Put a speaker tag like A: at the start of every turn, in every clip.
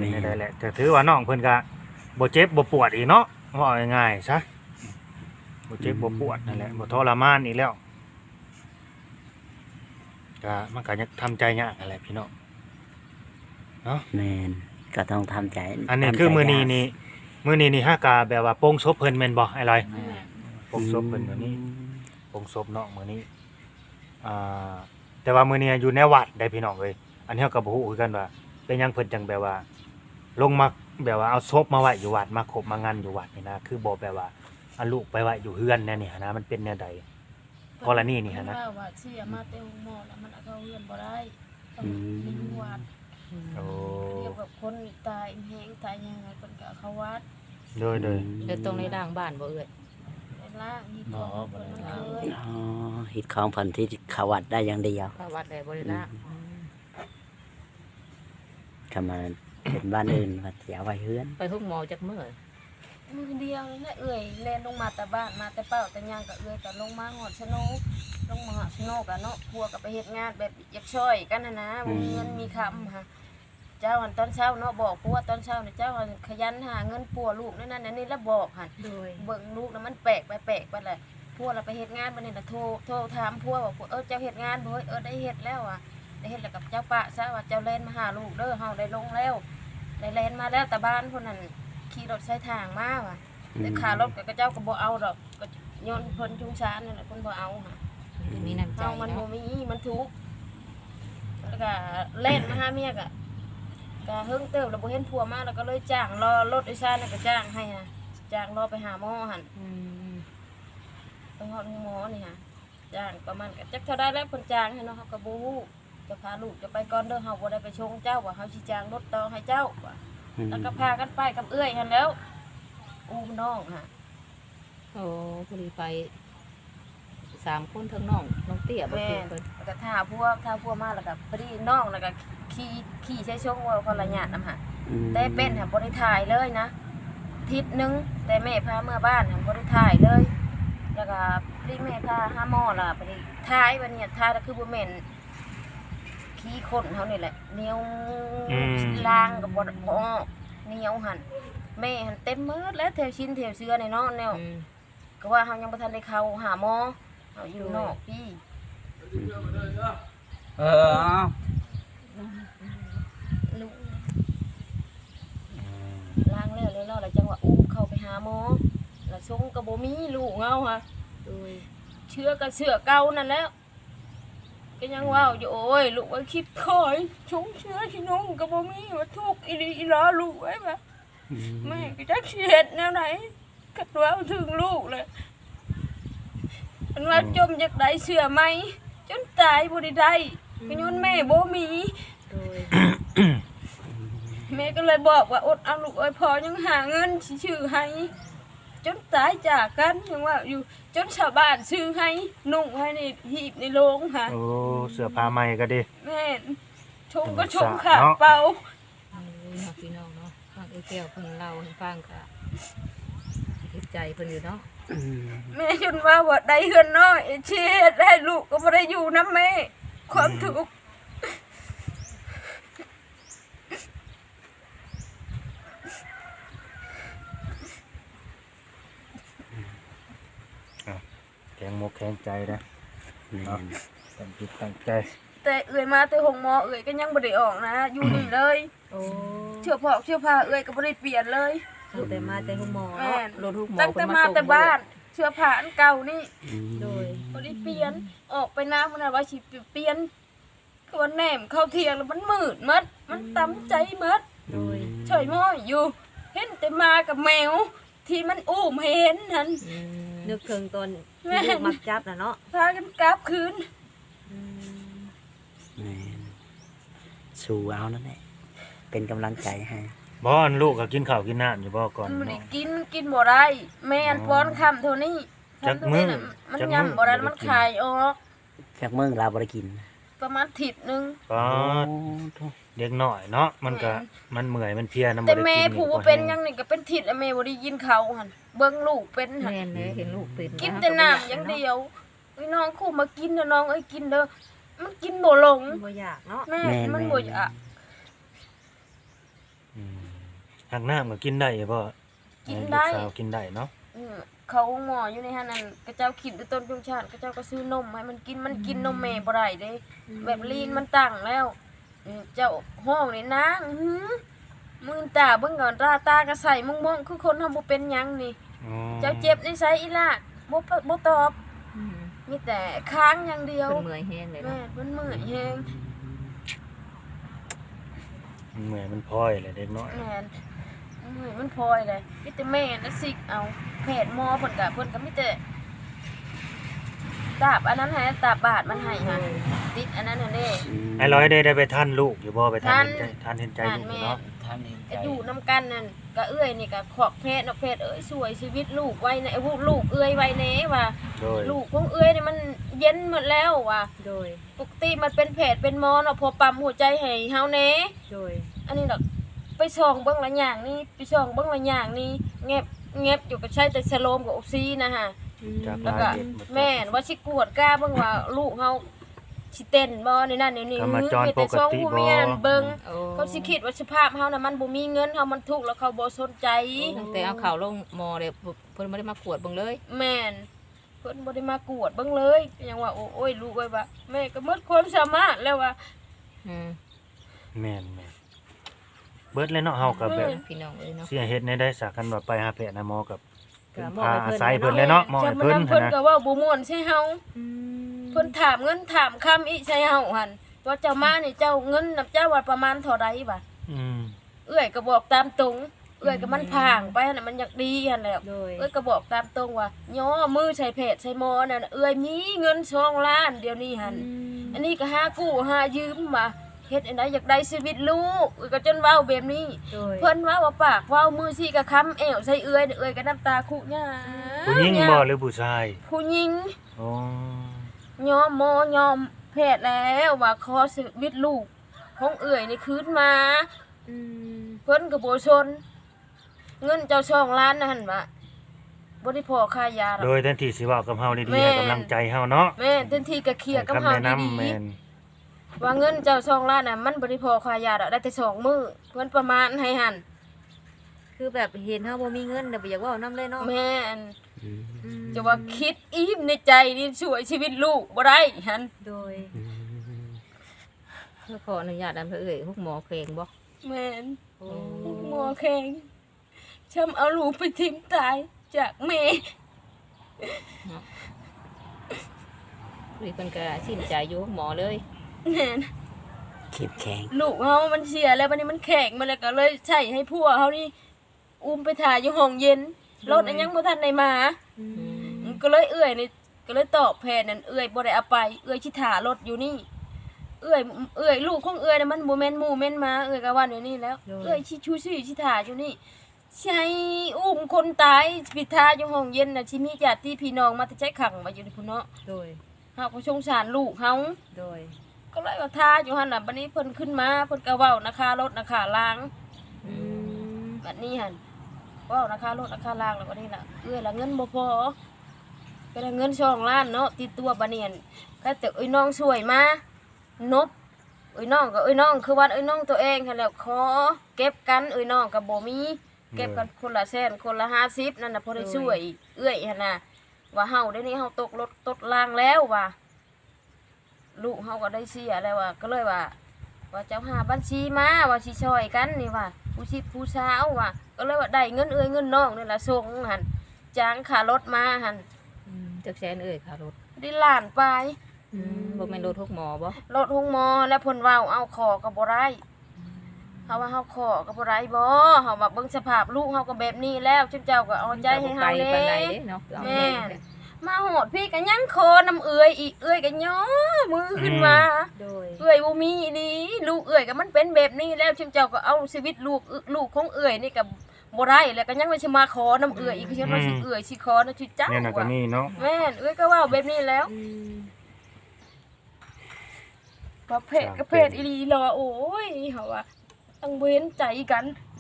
A: เป็นได้แหละแต่ถือว่าน้องเพิ่นก็บ่เจ็บบ่ปวดอีกเนาะว่าง่ายๆซะบ่เจ็บบ่ปวดนั่นแหละบ่ทรมานอีกแล้วก็มันก็ยังทำใจยากนั่นแหละพี่น้องเนาะ
B: แม่นก็ต้องทำใจ
A: อันนี้คือมื้อนี้นี่ฮะกะแบบว่าโปงศพเพิ่นแม่นบ่ไอ้ลอยโปงศพเพิ่นมื้อนี้โปงศพเนาะมื้อนี้แต่ว่ามื้อนี้อยู่ในวัดได้พี่น้องเอ้ยอันนี้เฮาก็บ่ฮู้คือกันว่าเป็นหยังเพิ่นจังแบบว่าลงมาแบบว่าเอาศพมาไว้อยู่วัดมาขบมางานอยู่วัดนี่นะคือบ่แบบว่าเอาลูกไปไว้อยู่เฮือนแน่นี่หั่นนะมันเป็นแนวใดกรณีนี่หั่นนะ
C: ว่าเสียมาแต่หม้อแล้วมันเอาเข้าเฮือนบ่ได้ต้องมีวัด
A: โอ้
C: เรียกว่าคนตายแห้งตายยังไงเพิ่นก็เอาเข้าวัด
A: โดย
D: แล้วตรงในด่างบ้านบ่เอ้ย
C: ในล่างนี่ก็เพิ่นเคย
B: ฮิตของเพิ่นที่เขาวัดได้อย่างเดียว
D: เข้าวัดได้บ่ได้ละ
B: ก็มาเป็นบ้านอื่นว่าสิเอาไว้เฮือน
D: ไปฮุกหมอจักมื้อ
C: มือเดียวนี่แหละเอ้ยแล่นลงมาแต่บ้านมาแต่เป้าแต่ย่างก็เอ้ยก็ลงมาหอดชะโนลงมาหอดชะโนก็เนาะพัวก็ไปเฮ็ดงานแบบอยากช่วยกันนะบ่มีเงินมีคำค่ะเจ้าหันตอนเช้าเนาะบอกพัวตอนเช้าเนี่ยเจ้าหันขยันหาเงินปัวลูกนั่นนี่แล้วบอกหัน
D: โดย
C: เบิ่งลูกแล้วมันแปลกไปแหละพัวเราไปเฮ็ดงานบัดนี้น่ะโทรถามพัวบอกเจ้าเฮ็ดงานบ่ได้เฮ็ดแล้วอ่ะได้เฮ็ดแล้วกับเจ้าปะซะว่าเจ้าแล่นมาหาลูกเด้อเฮาได้ลงแล้วได้แล่นมาแล้วแต่บ้านพุ่นนั่นขี่รถใช้ทางมาว่ะแต่ค่ารถก็เจ้าก็บ่เอาดอกก็โยนเพิ่นชุงชานนั่นแหละเพิ่นบ่เอาค่ะ
D: มีน้ำใจ
C: มันบ่มีมันทุกข์แล้วก็เล่นมาหาเมียก็เฮิงเติบแล้วบ่เห็นผัวมาแล้วก็เลยจ้างรอรถโดยสารนั่นก็จ้างให้นะจ้างรอไปหาหมอหั่นไปฮอดหมอนี่ค่ะจ้างประมาณก็จักเท่าใดแล้วเพิ่นจ้างให้เนาะเฮาก็บ่ฮู้จะพาลูกจะไปก่อนเด้อเฮาบ่ได้ไปชงเจ้าว่าเฮาสิจ้างรถต่อให้เจ้าว่าแล้วก็พากันไปกับเอื้อยหั่นแล้วอู้น้องค่ะ
D: โอ้พอดีไป3คนทั้งน้องเตี้ยบ่คือเพิ่น
C: แล้วก็ท่าพวกมาแล้วก็พอดีน้องแล้วก็ขี่ใช้ชงว่าคนละญาตินำหะแต่เป็นค่ะบ่ได้ถ่ายเลยนะทิศนึงแต่แม่พาเมื่อบ้านค่ะบ่ได้ถ่ายเลยแล้วก็พี่แม่พาหาหมอล่ะพอดีถ่ายวันนี้ถ่ายแล้วคือบ่แม่นขี้คนเฮานี่แหละเหนียวล้างก็บ่เหนียวหั่นแม่หั่นเต็มมืดแล้วแถวชิ้นแถวเสื้อนี่เนาะแนวก็ว่าเฮายังบ่ทันได้เข้าหาหมอเฮาอยู่นอกพี่ลูกล้างแล้วเลยเนาะแล้วจังว่าอุ้มเข้าไปหาหมอแล้วชงก็บ่มีลูกเงาค่ะ
D: โดย
C: เชื้อก็เชื้อเก่านั่นแล้วก็ยังว่าอยู่โอ้ยลูกไว้คิดคอยชงเชื้อที่น้องก็บ่มีว่าทุกข์อีหลีอีหลอลูกไว้บ่แม่ก็จักสิเฮ็ดแนวไหนก็ตัวเอาถึงลูกเลยมันว่าจมจากได้เสื้อไหมจนตายบ่ได้ก็ย้อนแม่บ่มี
D: โดย
C: แม่ก็เลยบอกว่าอดเอาลูกเอ้ยพอยังหาเงินสิซื้อให้จนตายจากกันยังว่าอยู่จนชาวบ้านซื้อให้นุ่งให้ในหีบในโรงค่ะ
A: โอ้เสื้อผ้าใหม่ก็ดี
C: แม่ชมก็ชมขาดเปล่า
D: พี่น้องเนาะฟังไอ้แก้วเพิ่นเล่าให้ฟังก็เฮ็ดใจเพิ่นอยู่เนาะ
C: แม่จนว่าได้เฮือนน้อยเช็ดให้ลูกก็บ่ได้อยู่นำแม่ความทุกข์
A: แข็งมกแข็งใจนะตั้งจิตตั้งใจ
C: แต่เอื้อยมาแต่ห้องหมอเอื้อยก็ยังบ่ได้ออกนะอยู่นี่เลย
D: โอ้
C: เสื้อผ้าเอื้อยก็บ่ได้เปลี่ยนเลย
D: แต่มาแต่ห้องหมอรถทุกหมอ
C: ตั้งแต่มาแต่บ้านเสื้อผ้าอันเก่านี่
D: โดย
C: บ่ได้เปลี่ยนออกไปน้ำมันน่ะว่าสิเปลี่ยนคือว่าแหนมเข้าเที่ยงแล้วมันมืดหมดมันตำใจหมด
D: โดย
C: เฉยม้อยอยู่เห็นแต่มากับแมวที่มันอุ้มเห็นนั่น
D: นึกถึงตอนที่มักจับน่ะเนาะ
C: พากันกลับคืน
B: สู้เอานั่นแหละเป็นกำลังใจให้
A: บ่ลูกก็กินข้าวกินน้ำอยู่บ่ก่อน
C: มันได้กินบ่ได้แม่นป้อนคำเท่านี้
A: จักมื้อ
C: มันยำบ่ได้มันคายออก
B: จากมื้อเราบ่ได้กิน
C: ประมาณทิศนึง
A: ก็เด็กน้อยเนาะมันก็มันเมื่อยมันเพลียนำบ่ได้กิน
C: แต่แม่ผู้ว่าเป็นยังนี่ก็เป็นทิศแม่บ่ได้กินข้าวหั่นเบิ่งลูกเป็นหั่น
D: แม่นเลยเห็นลูกเป็น
C: กินแต่น้ำอย่างเดียวน้องคู่มากินเด้อน้องเอ้ยกินเด้อมันกินบ่ลง
D: บ่อยากเนาะ
C: แม่มันบ่อยาก
A: หักน้ำก็กินได้บ่
C: กินได้
A: ลูกสาวกินได้เนาะ
C: เขาหมออยู่ในหั่นนั่นกระเจ้าขิดด้วยต้นจุงชาติกระเจ้าก็ซื้อนมให้มันกินนมแม่บ่ได้เด้แบบลีนมันตั้งแล้วเจ้าห้องนี่นางมือตาเบิ่งก่อนตาก็ใส่มองๆคือคนทำบ่เป็นหยังนี่
A: อ๋อ
C: เจ้าเจ็บในไสอีล่ะบ่ตอบ
D: อืม
C: มีแต่ค้างอย่างเดียว
D: เพิ่นเมื่อยแฮงเลย
C: แม่
D: เนาะ
C: เพิ่นเมื่อยแฮง
A: มันเหมือนมันพลอยแหละเด็กน้อย
C: แม่นเมื่อยมันพลอยเลยมีแต่แม่น่ะสิกเอาแพทย์หมอเพิ่นก็มีแต่ตาบอันนั้นให้ตาบบาดมันให้ค่ะติดอันนั้นน่ะเด้
A: ไอ้ร้อยได้ไปท่านลูกอยู่บ่ไปท่าน
C: ทัน
A: เห็นใจลูกอยู่เนาะ
B: ท่านเห็นใจ
C: ก็อยู่นํกันนั่นก็เอื้อยนี่ก็ขอกแพทย์เนาะแพทย์เอ้ยสวยชีวิตลูกไว้ในลูกเอื้อยไว้แน่ว่า
A: โดย
C: ลูกของเอื้อยนี่มันเย็นหมดแล้วว่ะ
D: โดย
C: ปกติมันเป็นแผลเป็นหมอเนาะพอปั๊มหัวใจให้เฮาแหน่
D: โดย
C: อันนี้ดอกไปส่องเบิ่งละอย่างนี่ไปส่องเบิ่งละอย่างนี่แงบอยู่ก็ใช้แต่สโลมกับออกซินะฮะ
A: จาก
C: แล้ว
A: ลา
C: ก็
A: ยเด็ดหมด
C: แม่นว่าสิกวดกล้าเบิ่งว่าลูกเฮาสิเต้นบ่ในนั้นนี่
A: กรรมจร
C: มีแต่ส่อง
A: ปกติ
C: ผู้
A: บ่
C: มีอันเบิ่ง
D: โอ้
C: เขาสิคิดว่าสภาพเฮาน่ะมันบ่มีเงินเฮามันทุกข์แล้วเขาบ่สนใจ
D: ตั้งแต่เอาข่าวลงหมอเลยเพิ่นบ่ได้มากวดเบิ่งเลย
C: แม่นเพิ่นบ่ได้มากวดเบิ่งเลยก็ยังว่าโอ้ยลูกเอ้ยว่าแม่ก็หมดความสามารถแล้วว่า
D: อืม
A: แม่นเบิดเลยเนาะเฮาก็แบบ
D: พี่น้องเอ้ยเนาะ
A: เสียเฮ็ดในได้สักกันว่าไปหาแพทย์นะหมอกับ
D: ก็มอบ
A: พา
D: ให้
A: อา
D: เพิ่น
A: ศัย
D: เนาะ
A: เพิ่นเลยเนาะหมอให้
C: จำ
A: เพิ่น
C: นำเพิ่น
A: นะ
C: ก็เว่าบ่ม่วนใช่เฮา
D: อืม
C: เพิ่นถามเงินถามคำอีใช่เฮาหั่นว่าเจ้ามานี่เจ้าเงินนํเจ้าว่าประมาณเท่าใดบ่ะ
A: อืม
C: เอื้อยก็บอกตามตรงเอื้อยก็มันพางไปหั่นน่ะมันอยากดีหั่นแหละ
D: โดย
C: เอื้อยก็บอกตามตรงว่าย่อมือใส่เพจใส่หมอนั่นน่ะเอื้อยมีเงิน2ล้านเดี๋ยวนี้หั่นอันนี้ก็หากู้หายืมมาเฮ็ดอันใดอยากได้ชีวิตลูกเอื้อยก็จนเว้าแบบนี้
D: โดย
C: เพิ่นว่าว่าปากเว้ามือสิก็ค้ำแอวใส่เอื้อยเอื้อยก็น้ำตาคุหญ้า
A: ผู้หญิงบ่หรือผู้ชาย
C: ผู้หญิง
A: อ๋อ
C: ยอมหมอยอมแพทย์แล้วว่าขอชีวิตลูกของเอื้อยนี่คืนมา
D: อืม
C: เพิ่นก็บ่ชน เงินเจ้า2ล้านนั่นว่าบ่ได้พอค่ายาหรอก
A: โดยแทนที่สิเว้ากับเฮาดี
C: แม่
A: ๆให้กำลังใจเฮาเนาะ
C: แม่เต็มที่ก็เคลียร์กับเฮา
A: ให้คำแนะนำ
C: ดี
A: แม่น
C: ๆว่าเงินเจ้า2ล้านน่ะมันบ่ได้พอค่ายาดอกได้แต่2มื้อเพิ่นประมาณให้หั่น
D: คือแบบเห็นเฮาบ่มีเงินแต่บ่อยากเว้านำเลยเนาะ
C: แม่น
B: อืม
D: อืม
C: จะว่าคิดอีมในใจนี่ช่วยชีวิตลูกบ่ได้หั่น
D: โดย
B: อืม
D: เพื่อขออนุญาตอันเอ้ยฮุกหมอเพลงบ่
C: แม่น
D: โอ้
C: หมอแข็งช้ำเอาลูกไปทิ้งตายจากแม่
D: คุยเพิ่นก็สิ้นใจอยู่ฮุกหมอเลย
C: แม่น
B: เข้มแข็ง
C: ลูกเฮามันเสียแล้วบัดนี้มันแข็งมาแล้วก็เลยใช้ให้ผัวเฮานี่อุ้มไปถ่ายอยู่ห้องเย็นรถอันยังบ่ทันได้มา
D: อืม
C: ก็เลยเอื้อยนี่ก็เลยตอบแผนนั่นเอื้อยบ่ได้เอาไปเอื้อยสิถ่ารถอยู่นี่เอื้อยลูกของเอื้อยน่ะมันบ่แม่นหมู่แม่นหมาเอื้อยก็ว่าอยู่นี่แล้วเอื้อยสิชูชื่อสิถ่าอยู่นี่ใช้อุ้มคนตายปิดท่าอยู่ห้องเย็นน่ะสิมีญาติพี่น้องมาแต่ใจขังมาอยู่นี่พุ่นเนาะ
D: โดย
C: เฮาก็สงสารลูกเฮา
D: โดย
C: ก็เลยว่าท่าอยู่หั่นน่ะบัดนี้เพิ่นขึ้นมาเพิ่นก็เว้านะคะรถนะคะล้าง
D: อืม
C: บัดนี้หั่นเว้านะคะรถนะคะล้างแล้วก็นี่ล่ะเอื้อยละเงินบ่พอก็ได้เงิน2ล้านเนาะติดตัวบัดนี้หั่นก็แต่เอ้ยน้องช่วยมานบเอ้ยน้องก็เอ้ยน้องคือว่าเอ้ยน้องตัวเองหั่นแหล้วขอเก็บกันเอ้ยน้องก็บ่มีเก็บกันคนละแสนคนละ50นั่นน่ะพอได้ช่วยเอื้อยหั่นน่ะว่าเฮาเดี๋ยวนี้เฮาตกรถตกรางแล้วว่าลูกเฮาก็ได้เสียแล้วว่าก็เลยว่าเจ้าหาบัญชีมาว่าสิช่วยกันนี่ว่าผู้ชิบผู้สาวว่าก็เลยว่าได้เงินเอ้ยเงินน้องนี่ล่ะส่งหั่นจ้างค่ารถมาหั่น
D: อืมจักแสนเอ้ยค่ารถ
C: ได้ล้านปลาย
D: อืมบ่แม่นรถฮุกหมอบ่
C: รถหงมอแล้วเพิ่นเว้าเอาขอก็บ่ได้เฮาว่าเฮาขอก็บ่ได้บ่เฮาว่าเบิ่งสภาพลูกเฮาก็แบบนี้แล้วเจ้าก็เอาใจให้เฮา
D: ไป
C: แน่
D: ปานใดเด้เนาะเอา
C: แม่
D: แม่
C: นมาโหดพี่ก็ยังคอน้ำเอื้อยอีกเอื้อยก็ย่อมือขึ้นมา
D: โดย
C: เอื้อยบ่มีดีลูกเอื้อยก็มันเป็นแบบนี้แล้วเจ้าก็เอาชีวิตลูกของเอื้อยนี่ก็บ่ได้แล้วก็ยังว่าสิมาขอน้ำเอื้อยอีกคือฉันว่าสิเอื้อยสิขอนะชิเจ้า
A: เนี่ยน่ะก็
C: ว่ะ
A: มีเนาะ
C: แม่นเอื้อยก็เว้าแบบนี้แล้ว
D: อืม
C: ประเภทก็เพศอีหลีรอโอ้ยเฮาว่าต้องเว้นใจกัน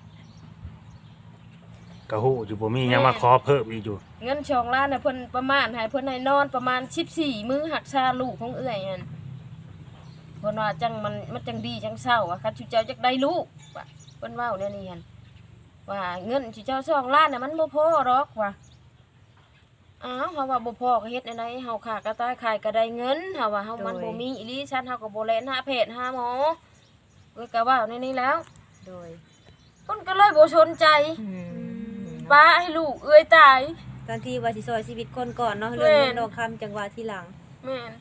A: ก็ฮู้อยู่บ่มีหยังมาขอเพิ่มอีกอยู่
C: เงิน2ล้านน่ะเพิ่นประมาณให้เพิ่นให้นอนประมาณ14มื้อหักษาลูกของเอื้อยนั่นเพิ่นว่าจังมันจังดีจังเศร้าอะคันชุเจ้าจักได้ลูกว่ะเพิ่นเว้าแนวนี้หั่นว่าเงินที่เจ้า2ล้านน่ะมันบ่พอหรอกว่ะอ้าวเฮาว่าบ่พอก็เฮ็ดอันใดเฮาขากระต่ายขายก็ได้เงินเฮาว่าเฮามันบ่มีอีหลีฉันเฮาก็บ่แล่นหาแพทย์หาหมอเอ้ยก็ว่าในนี้แล้ว
D: โดย
C: เพิ่นก็เลยบ่สนใจป้าให้ลูกเอ้ยตาย
E: ตอนที่ว่าสิซอยชีวิตคนก่อนเนาะ
C: แม่
E: เรื่องเงินดอกคำจังหวะที่หลัง
C: แม่น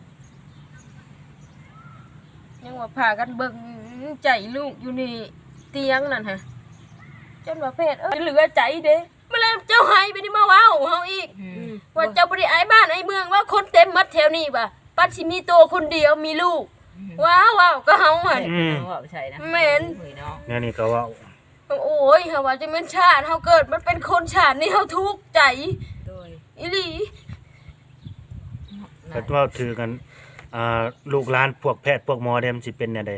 C: ยังว่าพากันเบิ่งใจลูกอยู่นี่เตียงนั่นฮะจนว่าเพศเหลือใจเด้มาแล้วเจ้าให้ไปนี่มาเว้าเฮาอีกว่าเจ้าบ่ได้อายบ้านอายเมืองว่าคนเต็มหมัดแถวนี้บ่ะปัดสิมีโตคนเดียวมีลูกว้าวก็เฮาหั่น
D: ว่าใช่นะ
C: แม่น
D: เฮ้ยเนาะ
A: เนี่ยนี่ก็เว่า
C: โอ้ยเฮาว่าจะเป็นชาติเฮาเกิดมันเป็นคนชาตินี่เฮาทุกข์ใจ
D: โดย
C: อีหลี
A: ก็เว่าถือกันลูกหลานพวกแพทย์พวกหมอเดมสิเป็นแนวใด